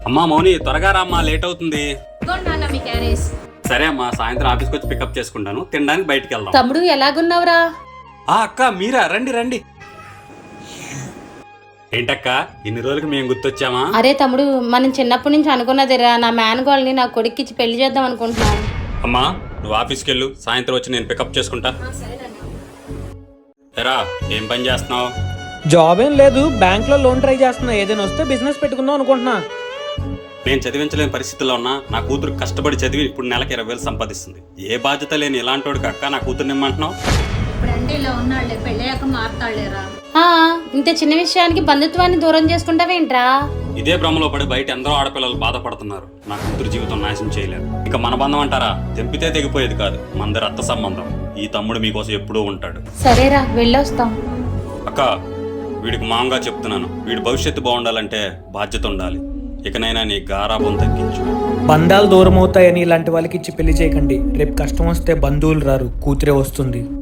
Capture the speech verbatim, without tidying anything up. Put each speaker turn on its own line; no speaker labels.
అమ్మా మౌని త్వరగా రామ్మా, లేట్ అవుతుంది.
ఇదిగోండి నాన్న మీ క్యారేజ్.
సరే అమ్మా, సాయంత్రం ఆఫీస్కి వచ్చి పికప్ చేసుకుంటాను. తినడానికి బయటికి వెళ్దాం.
తమ్ముడు ఎలాగున్నావురా?
ఆ అక్క మీరా, రండి రండి. ఏంటక్క ఇన్ని రోజులకి మేము గుర్తొచ్చామా?
అరే తమ్ముడు, మనం చిన్నప్పటి నుంచి అనుకున్నదిరా, నా మేనగోళ్ళని నా కొడుక్కిచ్చి పెళ్లి చేద్దాం అనుకుంటున్నాను.
అమ్మా నువ్వు ఆఫీస్కి వెళ్ళు, సాయంత్రం వచ్చి నేను పికప్ చేసుకుంటా. ఎరా ఏం పని చేస్తున్నావు?
జాబ్ ఏం లేదు, బ్యాంక్ లో లోన్ ట్రై చేస్తున్నా. ఏదైనా వస్తే బిజినెస్ పెట్టుకుందాం అనుకుంటున్నా.
నేను చదివించలేని పరిస్థితుల్లో ఉన్నా నా కూతురు కష్టపడి చదివి ఇప్పుడు నెలకి ఇరవై వేలు సంపాదిస్తుంది. ఏ బాధ్యత లేని ఇలాంటి వాడికి అక్క నా కూతురు నిమ్మంటున్నావు?
ఆ, ఇంత చిన్న విషయానికి బంధుత్వాన్ని దూరం చేసుకుంటావేంట్రా?
ఇదే భ్రమలో పడి బయట ఎందరో ఆడపిల్లలు బాధపడుతున్నారు. నా కూతురు జీవితం నాశనం చేయలేరు. ఇక మన బంధం అంటారా, తెంపితే తెగిపోయేది కాదు, మనది రక్త సంబంధం. ఈ తమ్ముడు మీకోసం ఎప్పుడూ ఉంటాడు.
సరేరా వెళ్ళొస్తాం.
అక్క వీడికి మామగా చెప్తున్నాను, వీడి భవిష్యత్తు బాగుండాలంటే బాధ్యత ఉండాలి. ఇకనైనా నీ గారాబం తగ్గించు.
బంధాలు దూరం అవుతాయని ఇలాంటి వాళ్ళకి ఇచ్చి పెళ్లి చేయకండి. రేపు కష్టం వస్తే బంధువులు రారు, కూతురే వస్తుంది.